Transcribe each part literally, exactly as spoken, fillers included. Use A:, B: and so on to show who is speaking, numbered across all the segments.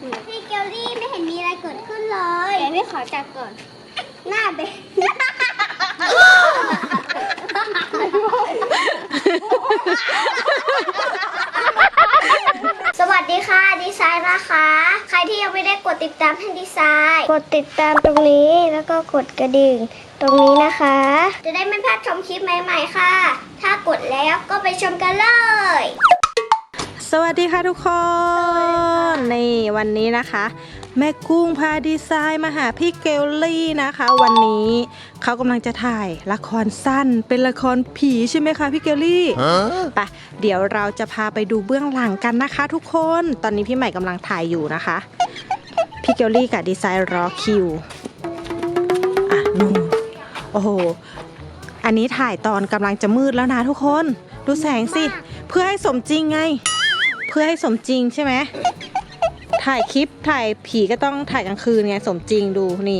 A: พี่เกลลี่ไม่เห็นมีอะไรเกิดขึ้นเลยเดี๋ยวพี่ขอจับก่อนหน้าเบ๊สวัสดีค่ะดีไซน์นะคะใครที่ยังไม่ได้กดติดตามให้ดีไซน์กดติดตามตรงนี้แล้วก็กดกระดิ่งตรงนี้นะคะจะได้ไม่พลาดชมคลิปใหม่ๆค่ะถ้ากดแล้วก็ไปชมกันเลย
B: สวัสดีค่ะทุกคนนี่วันนี้นะคะแม่กุ้งพาดีไซน์มาหาพี่เกลลี่นะคะวันนี้เขากำลังจะถ่ายละครสั้นเป็นละครผีใช่ไหมคะพี่เกลลี่ไปเดี๋ยวเราจะพาไปดูเบื้องหลังกันนะคะทุกคนตอนนี้พี่ใหม่กำลังถ่ายอยู่นะคะพี่เกลลี่กับดีไซน์รอคิวอ่ะนู่นโอ้โหอันนี้ถ่ายตอนกำลังจะมืดแล้วนะทุกคนดูแสงสิเพื่อให้สมจริงไงเพื่อให้สมจริงใช่ไหมถ่ายคลิปถ่ายผีก็ต้องถ่ายกลางคืนไงสมจริงดูนี่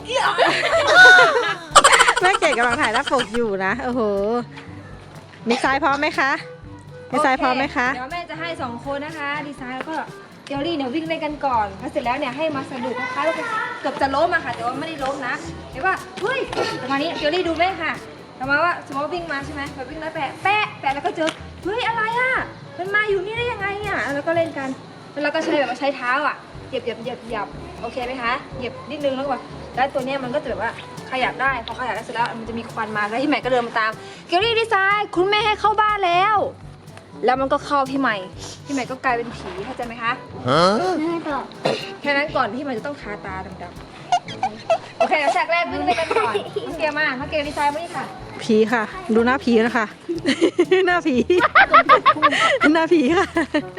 B: แม่เก๋กำลังถ่ายหน้าปกอยู่นะโอ้โหดีไซน์พร้อมไหมคะดีไซน์พร้อมไหมคะ
C: เดี๋ยวแม่จะให้สองคนนะคะดีไซน์แล้วก็เกลลี่เนี่ยวิ่งเล่นกันก่อนพอเสร็จแล้วเนี่ยให้มาสะดุดนะคะแล้วก็เกือบจะล้มอะค่ะแต่ว่าไม่ได้ล้มนะเห็นว่าเฮ้ยประมาณนี้เกลลี่ดูไหมค่ะประมาณว่าสมมติว่าวิ่งมาใช่ไหมแบบวิ่งแล้วแปะแปะแปะแล้วก็เจอเฮ้ยอะไรอะมันมาอยู่นี่ได้ยังไงอะแล้วก็เล่นกันแล้วก็ใช้แบบว่าใช้เท้าอ่ะเหยียบเหยียบเหยียบเหยียบโอเคไหมคะเหยียบนิดนึงแล้วก็แล้วตัวเนี้ยมันก็จะแบบว่าขยับได้พอขยับได้เสร็จแล้วมันจะมีควันมาแล้วพี่ใหม่ก็เดินมาตามเกลลี่ดีไซน์คุณแม่ให้เข้าบ้านแล้วแล้วมันก็เข้าพี่ใหม่พี่ใหม่ก็กลายเป็นผีเข้าใจไหมคะแค่นั้นก่อนพี่ใหม่จะต้องทาตาดำๆโอเคฉากแรกวิ่งเล่นกันก่อนน้องเกลมาน้องเกลดีไซน์มาดิค่ะ
B: ผีค่ะดูหน้าผีนะคะ หน้าผี หน้าผีค่ะ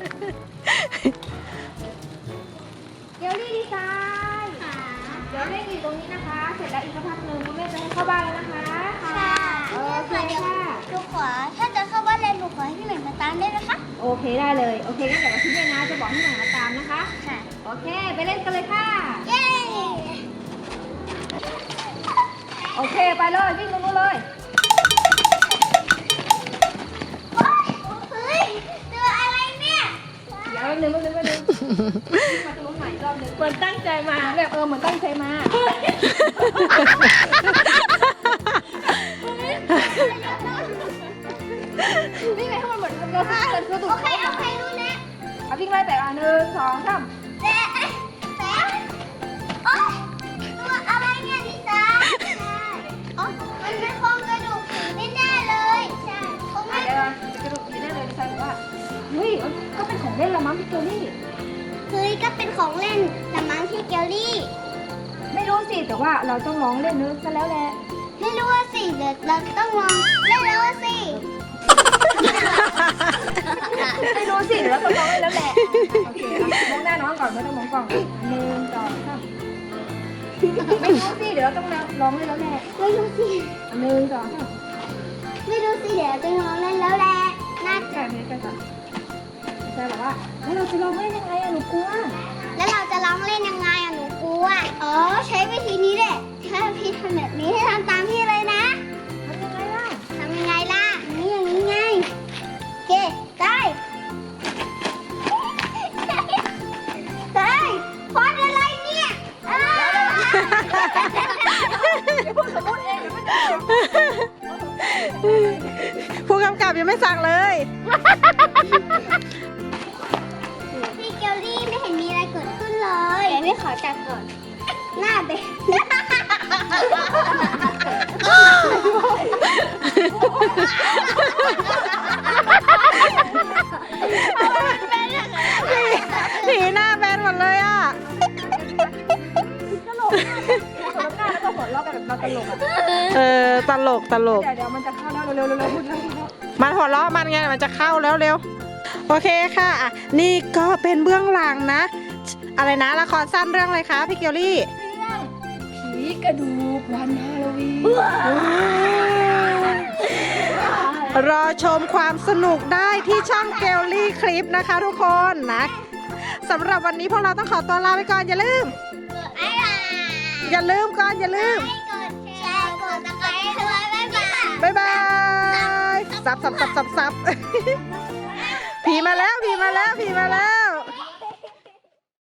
C: เกลลี่ดีไซน์เดี๋ยวเล่นอยู่ตรงนี้นะคะ เสร็จแล้วอีกสักพักหนึ่งคุณแม่จะให้เข้าบ้านแล้วนะคะ
A: ค่ะโอเคค่ะหนูขอถ้าจะเข้าบ้านเลยหนูขอให้พี่ใหม่มาตามได้ไหมคะ
C: โอเคได้เลยโอเคงั้นเดี๋ยวพี่แม่นะจะบอกให้หน่อยมาตามนะคะ
A: ค่ะ
C: โอเคไปเล่นกันเลยค่ะ
A: เย้
C: โอเคไปเลยวิ่งตรงนู้นเลย
A: เฮ้ยตัวอะไรเนี่ย
C: เดี๋ยวนึงนึงนึงนึงมาตรงนู้นใหม่รอบนึงเหมือนตั้งใจมาแบบเออเหมือนตั้งใจมานี่ไงถ้ามันเหมือนเราเกิดตัวตุ่ม
A: โอเคโอเครู้แล้ว
C: เอาวิ่งไล่แต่ละหนึ่งสองสาม
A: แป๊ะแป๊ะโอ๊ยตัวอะไรเนี่ยดิซ่าอ๋อมันเป็นโครงกระดูกผีแน่ๆเลยใช่คงไม่
C: เดี๋ยวกระดูกผีแน่เลยดีไซน์บอกว่าเฮ้ยก็เป็นของเล่นละมั้งพี่เกลลี่
A: เฮ้ยก็เป็นของเล่นแต่มั้งพี่เกลลี่
C: ไม่รู้สิแต่ว่าเราต้องร้องเล่นนึกซะแล้วแหละ
A: ไม่รู้ว่าสิเดี๋ยวเราต้องลองเล่นแล้วสิ
C: ไม่รู้สิเดี๋ยวเราต้องร้องเล่นแล้วแหละโอเคมองหน้าน้องก่อนไม่ต้องมองกล่องหนึ่งสองสามไม่รู้สิเดี๋ยวเราต้องร้องเล่นแล้วแหละ
A: ไม่รู้สิ
C: หนึ่งสองสาม
A: ไม่รู้สิเดี๋ยวจะลองเล่นแล้วแหละน่าจะ
C: ใช่ไหมใช่ค่ะใช่บอกว่าแล้วเราจะร้องเล่นยังไงอะหนูกลัว
A: แล้วเราจะร้องเล่นยังไงอะหนูกลัวอ๋อใช้วิธีนี้แหละถ้าพี่ทำแบบนี้ให้ทำตามพี่เลยนะ
C: ทำยังไงล่ะ
A: ทำยังไงล่ะนี่อย่างนี้ไงโอเคได้ได้พอดอะไรเนี่ย
C: เดี๋ยวพูดสมมติเองเดี๋ยวไม่ได้
B: ผู้กำกับยังไม่สั่งเลย
A: พี่เกลลี่ไม่เห็นมีอะไรเกิดขึ้นเลยเดี๋ยวพี่ขอจับก่อนหน้าเบ๊
B: ผีหน้าแบนหมดเลยอ่ะ
C: ตลกคนละหน้าแล้วก็หัวเราะกันแบบเราตลกอ่ะ
B: เออตลกตลก
C: เดี๋ยวเดี๋ยวมันจะเข้าแล้วเร็วเร็วเร็วพูดเร็ว
B: มันหัวเราะมันไงมันจะเข้าแล้วเร็วโอเคค่ะอ่ะนี่ก็เป็นเบื้องหลังนะอะไรนะละครสั้นเรื่องอะไรคะพี่เกลลี่
C: เรื่องผีกระดูกวันฮาโลวี
B: นรอชมความสนุกได้ที่ช่องเกลลี่คลิปนะคะทุกคนนะสำหรับวันนี้พวกเราต้องขอตัวลาไปก่อนอย่าลืมอย่าลืมก่อนอย่าลืม
A: กดแชร์กดติดตามด้วย
B: บ๊ายบายซับซับซับซับซับผีมาแล้วผีมาแล้วผีมาแล้ว